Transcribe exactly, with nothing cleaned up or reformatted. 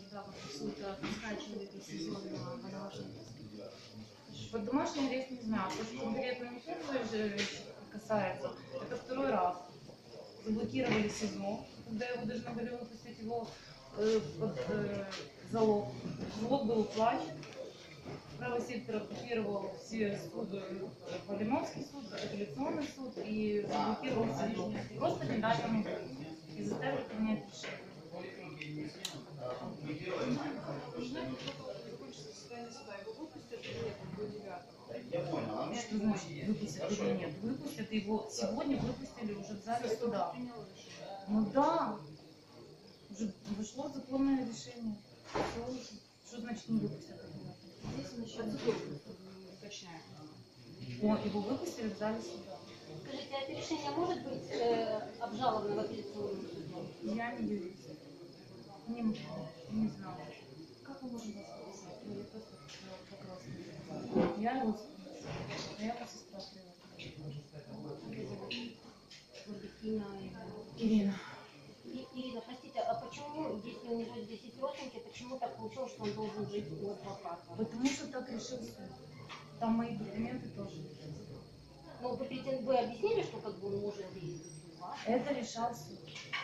когда вот суд просрачивает сезон на домашний арест? Под домашний арест не знаю, то, что конкретно не первый же касается, это второй раз. Заблокировали СИЗО, когда его должны были выпустить его э, под э, залог. Залог был уплачен. Правый сектор оккупировал все суды, Полимовский суд, апелляционный суд, и заблокировал СИЗО. Просто не дали ему выйти и заставили принять решение. Что значит выпустят или нет? Выпустят его. Сегодня выпустили уже в зале суда. Ну да, уже вышло законное решение. Все уже. Что значит не выпустят? Здесь он еще уточняет. Он, его выпустили в зале суда. Скажите, а это решение может быть э, обжаловано в апелляционном суде? Я не юрист. Не, не знаю. Как мы можем воспользоваться? Ну, я просто вопрос не знаю. Я русская. А я сестра Ирина, Ирина. И- Ирина, простите, а почему, если у него десять родственники, почему так получилось, что он должен жить у адвоката? Потому что так решил суд. Там мои документы тоже. Ну, вы, претен- вы объяснили, что как бы он может и у вас? Это решал суд.